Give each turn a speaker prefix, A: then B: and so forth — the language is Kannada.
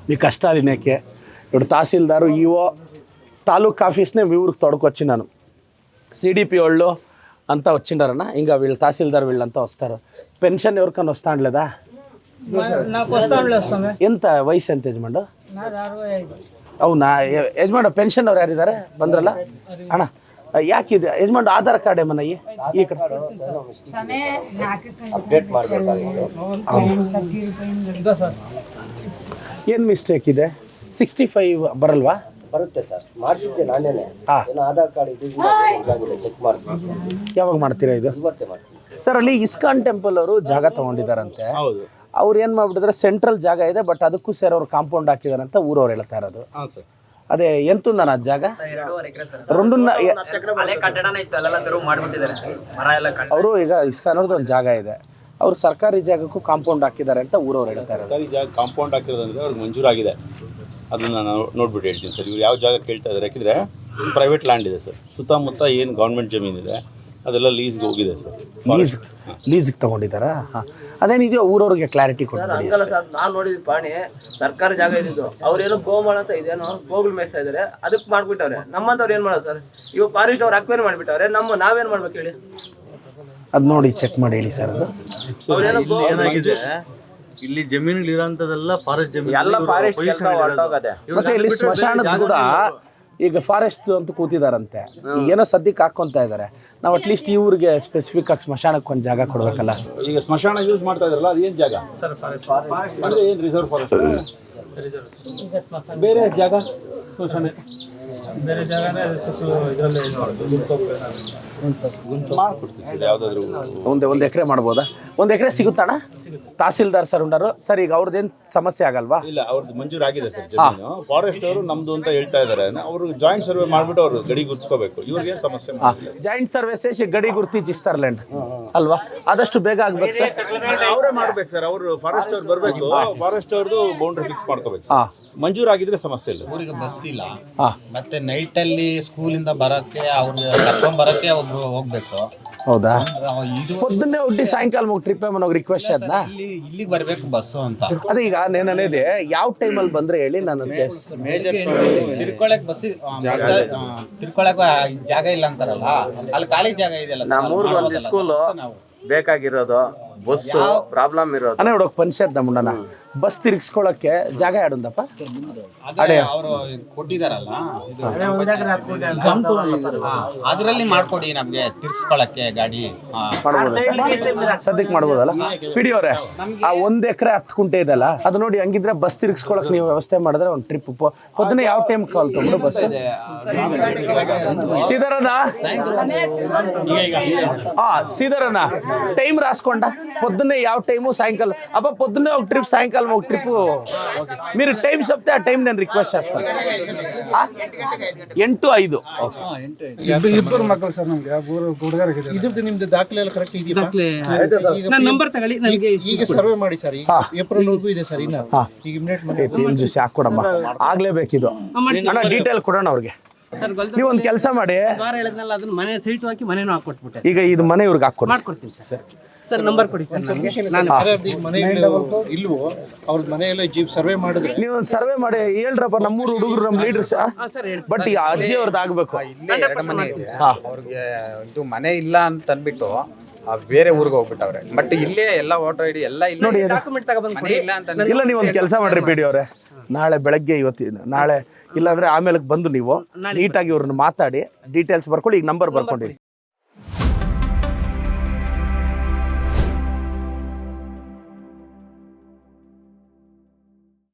A: మీ కష్టాలు వినేకే ఇప్పుడు తహసీల్దారు ఈఓ తాలూక్ ఆఫీస్నే మీ ఊరికి తోడుకొచ్చినాను. సిడిపి వాళ్ళు అంతా వచ్చిండారన్న, ఇంకా వీళ్ళు తహసీల్దార్ వీళ్ళంతా వస్తారు. పెన్షన్ ఎవరికన్నా వస్తాండ్లేదా? ಎಂತ ವಯಸ್ಸು ಎಂತ ಯಜಮಾನ್ರು? అవునా ಯಜಮಾನ ಪೆನ್ಷನ್ ಅವ್ರು ಯಾರಿದ್ದಾರೆ ಬಂದ್ರಲ್ಲ ಅಣ್ಣ? ಯಾಕಿದೆ ಯಜಮಾನ್ ಆಧಾರ್ ಕಾರ್ಡ್ ಏಮನ್ನ ಈ ಕಡೆ ಏನು ಮಿಸ್ಟೇಕ್ ಇದೆ? 65 ಬರಲ್ವಾ?
B: ಬರುತ್ತೆ ಸರ್, ಮಾಡಿಸಿದ್ದೆ ನಾನೇನೆ. ಆಧಾರ್ ಕಾರ್ಡ್ ಚೆಕ್ ಮಾಡಿಸಿ.
A: ಯಾವಾಗ ಮಾಡ್ತೀರಾ ಇದು?
B: ಇವತ್ತೇ ಮಾಡ್ತೀನಿ
A: ಸರ್. ಅಲ್ಲಿ ಇಸ್ಕಾನ್ ಟೆಂಪಲ್ ಅವರು ಜಾಗ ತಗೊಂಡಿದ್ದಾರಂತೆ. ಅವ್ರು ಏನು ಮಾಡ್ಬಿಟ್ಟಿದ್ರೆ ಸೆಂಟ್ರಲ್ ಜಾಗ ಇದೆ, ಬಟ್ ಅದಕ್ಕೂ ಸೇರಿ ಅವ್ರು ಕಾಂಪೌಂಡ್ ಹಾಕಿದಾರಂತ ಊರವ್ರು ಹೇಳ್ತಾ ಇರೋದು. ಅದೇ ಎಂತುಂದ ಅದು ಜಾಗ ಅವರು ಈಗ ಇಸ್ಕಾನ್ ಅವ್ರದ್ದು ಒಂದು ಜಾಗ ಇದೆ, ಅವರು ಸರ್ಕಾರಿ ಜಾಗಕ್ಕೂ ಕಾಂಪೌಂಡ್ ಹಾಕಿದ್ದಾರೆ ಅಂತ ಊರವ್ರು ಹೇಳ್ತಾ ಇರೋದು.
C: ಸರ್ಕಾರಿ ಜಾಗ ಕಾಂಪೌಂಡ್ ಹಾಕಿರೋದಂದ್ರೆ ಅವ್ರಿಗೆ ಮಂಜೂರಾಗಿದೆ. ಅದನ್ನು ನಾನು ನೋಡ್ಬಿಟ್ಟು ಹೇಳ್ತೀನಿ ಸರ್. ಇವ್ರು ಯಾವ ಜಾಗ ಕೇಳ್ತಾ ಇದ್ದಾರೆ, ಯಾಕೆಂದರೆ ಪ್ರೈವೇಟ್ ಲ್ಯಾಂಡ್ ಇದೆ ಸರ್. ಸುತ್ತಮುತ್ತ ಏನು ಗೌರ್ಮೆಂಟ್ ಜಮೀನಿದೆ ಅದೆಲ್ಲ ಲೀಸ್ಗೆ ಹೋಗಿದೆ ಸರ್.
A: ಲೀಸ್ಗೆ ತಗೊಂಡಿದ್ದಾರಾ? ಹಾಂ, ಅದೇನಿದೆಯೋ ಊರವ್ರಿಗೆ ಕ್ಲಾರಿಟಿ ಕೊಡ್ತಾರೆ.
D: ನಾನು ನೋಡಿದ ಪಾಣಿ ಸರ್ಕಾರಿ ಜಾಗ ಇದ್ದಿದ್ದು, ಅವ್ರೇನೋ ಗೋಮಾಳ ಅಂತ ಇದೇನೋ ಗೋಗಳು ಮೇಯ್ತಾ ಇದಾರೆ, ಅದಕ್ಕೆ ಮಾಡ್ಬಿಟ್ಟವ್ರೆ. ನಮ್ಮಂತವ್ರು ಏನ್ ಮಾಡೋದು ಸರ್? ಇವಾಗ ಫಾರೆಸ್ಟ್ ಅವ್ರು ಅಕ್ವೇರ್ ಮಾಡ್ಬಿಟ್ಟವ್ರೆ, ನಾವೇನ್ ಮಾಡ್ಬೇಕು ಹೇಳಿ?
A: ಅದು ನೋಡಿ ಚೆಕ್ ಮಾಡಿ ಹೇಳಿ ಸರ್. ಅದು
C: ಇಲ್ಲಿ ಜಮೀನುಗಳು ಇರೋಂಥದ್ದೆಲ್ಲ ಫಾರೆಸ್ಟ್ ಜಮೀನು,
D: ಎಲ್ಲ ಫಾರೆಸ್ಟ್ ಹೊರಟೋಗದೆ.
A: ಮತ್ತೆ ಇಲ್ಲಿ ಸ್ಮಶಾನದ ಕೂಡ ಈಗ ಫಾರೆಸ್ಟ್ ಅಂತ ಕೂತಿದಾರಂತೆ. ಏನೋ ಸದ್ಯಕ್ಕೆ ಹಾಕೊಂತ ಇದ್ದಾರೆ. ನಾವು ಅಟ್ಲೀಸ್ಟ್ ಈ ಊರಿಗೆ ಸ್ಪೆಸಿಫಿಕ್ ಆಗಿ ಸ್ಮಶಾನಕ್ಕೆ ಒಂದು ಜಾಗ ಕೊಡ್ಬೇಕಲ್ಲ.
C: ಈಗ ಸ್ಮಶಾನ ಯೂಸ್ ಮಾಡ್ತಾ ಇದ್ರಲ್ಲ, ಅದು ಏನು ಜಾಗ ಅಂದರೆ ಏನು ರಿಸರ್ವ್ ಫಾರೆಸ್ಟ್? ಬೇರೆ ಜಾಗ ಸ್ಮಶಾನ ಬೇರೆ ಜಾಗ ಮಾಡ್ಕೊಡ್ತೀವಿ. ಯಾವುದಾದ್ರೂ
A: ಒಂದು ಎಕರೆ ಮಾಡ್ಬೋದಾ? 1 ಎಕರೆ ಸಿಗುತ್ತಣ್ಣ? ತಹಸೀಲ್ದಾರ್ ಸರ್ ಉಂಡಾರು ಸರ್. ಈಗ ಅವ್ರದ್ದೇನು ಸಮಸ್ಯೆ ಆಗಲ್ವಾ?
C: ಇಲ್ಲ, ಅವ್ರದ್ದು ಮಂಜೂರಾಗಿದೆ ಸರ್ ಜಮೀನು. ಫಾರೆಸ್ಟ್ ಅವರು ನಮ್ದು ಅಂತ ಹೇಳ್ತಾ ಇದ್ದಾರೆ. ಅವರು ಜಾಯಿಂಟ್ ಸರ್ವೆ ಮಾಡ್ಬಿಟ್ಟು ಅವರು ಗಡಿ ಗುರ್ಸ್ಕೋಬೇಕು. ಇವ್ರಿಗೆ ಸಮಸ್ಯೆ
A: ಜಾಯಿಂಟ್ ಸರ್ವೆ ಸೇಸಿ ಗಡಿ ಗುರ್ತಿಜಿಸ್ತಾರ್ಲೇಂಡ್ ಅಲ್ವಾ? ಆದಷ್ಟು ಬೇಗ ಆಗ್ಬೇಕು ಸರ್.
C: ಅವರೇ ಮಾಡ್ಬೇಕು ಸರ್. ಅವರು ಫಾರೆಸ್ಟ್ ಅವ್ರು ಬರಬೇಕು, ಫಾರೆಸ್ಟ್ ಅವ್ರದ್ದು ಬೌಂಡ್ರಿ ಫಿಕ್ಸ್ ಮಾಡ್ಕೋಬೇಕು. ಮಂಜೂರಾಗಿದ್ರೆ ಸಮಸ್ಯೆ ಇಲ್ಲ.
E: ಊರಿಗೆ ಬಸ್ ಇಲ್ಲ, ಮತ್ತೆ ನೈಟ್ ಅಲ್ಲಿ ಸ್ಕೂಲಿಂದ ಬರಕ್ಕೆ ಅವ್ರಿಗೆ ಕರ್ಕೊಂಡ್ ಬರಕ್ಕೆ ಒಬ್ರು ಹೋಗ್ಬೇಕು.
A: ಹೌದಾ? పొద్దున్నే ಹುಟ್ಟಿ ಸಾಯಂಕಾಲ ಟ್ರಿಪ್ ಏಮನ್ನ ರಿಕ್ವೆಸ್ಟ್ ಅದನ್ನ
E: ಇಲ್ಲಿಗೆ ಬರ್ಬೇಕು ಬಸ್ಸು ಅಂತ.
A: ಅದೇ ಈಗ ನೇನನೇದೆ ಯಾವ ಟೈಮಲ್ಲಿ ಬಂದ್ರೆ ಹೇಳಿ ನಾನು
E: ತಿರ್ಕೊಳಕ್ ತಿರ್ಕೊಳಕ್ ಜಾಗ ಇಲ್ಲ ಅಂತಾರಲ್ಲ, ಅಲ್ಲಿ ಖಾಲಿ ಜಾಗ ಇದೆಯಲ್ಲ.
D: ನಮ್ಮೂರ್ಗೆ ಒಂದು ಸ್ಕೂಲು ಬೇಕಾಗಿರೋದು, ಬಸ್ ಪ್ರಾಬ್ಲಮ್ ಇರೋದು.
A: ಅನೇ ನೋಡೋಕೆ ಪಂಚಾಯತ್ ನಮ್ಮಣ್ಣ ಬಸ್ ತಿರ್ಗಿಸ್ಕೊಳಕ್ಕೆ ಜಾಗ ಯಾಡುಂದಪ್ಪ
E: ಅವರು ಕೊಟ್ಟಿದಾರಲ್ಲ, ಅದ್ರಲ್ಲಿ ಮಾಡ್ಕೊಡಿ ನಮ್ಗೆ ತಿರ್ಗಿಸ್ಕೊಳಕ್ಕೆ ಗಾಡಿ.
A: ಸದ್ಯಕ್ಕೆ ಮಾಡ್ಬೋದಲ್ಲ ಪಿಡಿ ಅವರೇ? ಆ 1 ಎಕರೆ 10 ಗುಂಟೆ ಇದೆಲ್ಲ, ಅದು ನೋಡಿ ಹಂಗಿದ್ರೆ ಬಸ್ ತಿರ್ಗಿಸ್ಕೊಳಕ್ ನೀವು ವ್ಯವಸ್ಥೆ ಮಾಡಿದ್ರೆ ಒಂದು ಟ್ರಿಪ್ పొద్దున్న ಯಾವ ಟೈಮ್ ಕಾಲ್ ತಗೊಂಡು ಬಸ್ ಸೀದರನ సీదరన్న టైం రాసుకోండా పొద్దున్నే ಯಾವ టైము సాయంకాలం అబ్బా పొద్దున్నే ఒక ట్రిప్ సాయంకాలం ఒక ట్రిప్ మీరు టైం చెప్తే ఆ టైం నేను రిక్వెస్ట్ చేస్తాను 8-5
F: ಇಬ್ಬರು ಮಕ್ಕಳು ಸರ್ ನಮಗೆ ಇದ್ರದ್ದು ನಿಮ್ದು ದಾಖಲೆ ಎಲ್ಲ ಕರೆಕ್ಟ್ ಇದೆಯಾ?
D: ನಂಬರ್ ತಗೊಳ್ಳಿ ನನಗೆ.
F: ಈಗ ಸರ್ವೆ ಮಾಡಿ ಸರ್, ಈಗ ಏಪ್ರಿಲ್ ವರೆಗೂ ಇದೆ ಸರ್. ಇನ್ನ ಈಗ ಇಮಿಡಿಯೇಟ್ ಮಾಡಿ
A: ಜ್ಯೂಸ್ ಹಾಕೊಡಮ್ಮ, ಆಗ್ಲೇಬೇಕಿದು ಅಣ್ಣ. ಡೀಟೇಲ್ ಕೊಡೋಣ ಅವ್ರಿಗೆ. ನೀವು ಒಂದು ಕೆಲಸ ಮಾಡಿ,
D: ಅದನ್ನ ಮನೆ ಸೈಟ್ ಹಾಕಿ ಮನೇನು ಹಾಕೊಟ್ಬಿಟ್ಟೆ.
A: ಈಗ ಇದು ಮನೆ ಇವ್ರಿಗೆ ಹಾಕೊಡಿ.
D: ಮಾಡ್ಕೊಡ್ತೀನಿ ಸರ್. ಸರ್ ನಂಬರ್ ಕೊಡಿ ಸರ್.
F: ಮನೆಗಳು ಇಲ್ವೋ ಅವ್ರದ್ದು ಮನೆಯಲ್ಲ ಜೀಪ್ ಸರ್ವೆ ಮಾಡಿದ್ರೆ
A: ನೀವು ಒಂದು ಸರ್ವೆ ಮಾಡಿ ಹೇಳ್ರಪ್ಪ. ನಮ್ಮೂರು ಹುಡುಗರು ನಮ್ಮ ಲೀಡರ್ಸ್, ಬಟ್ ಈ ಅಜ್ಜಿ ಅವ್ರದ್ದು ಆಗ್ಬೇಕು.
G: ಅವ್ರಿಗೆ ಇದು ಮನೆ ಇಲ್ಲ ಅಂತ ಅಂದ್ಬಿಟ್ಟು ಬೇರೆ ಊರಿಗೆ ಹೋಗ್ಬಿಟ್ಟವ್ರೆ. ಬಟ್ ಇಲ್ಲೇ ಎಲ್ಲ ವೋಟರ್ ಐಡಿ ಎಲ್ಲ ಇಲ್ಲ
A: ನೋಡಿ.
G: ಇಲ್ಲ ಅಂತ
A: ಇಲ್ಲ, ನೀವು ಒಂದು ಕೆಲಸ ಮಾಡ್ರಿ ಪಿ ಡಿ ಅವರೇ, ನಾಳೆ ಬೆಳಗ್ಗೆ ಇವತ್ತಿನ ನಾಳೆ ಇಲ್ಲಾಂದ್ರೆ ಆಮೇಲೆ ಬಂದು ನೀವು ನೀಟಾಗಿ ಇವ್ರನ್ನ ಮಾತಾಡಿ ಡೀಟೇಲ್ಸ್ ಬರ್ಕೊಳ್ಳಿ. ಈಗ ನಂಬರ್ ಬರ್ಕೊಂಡಿರಿ.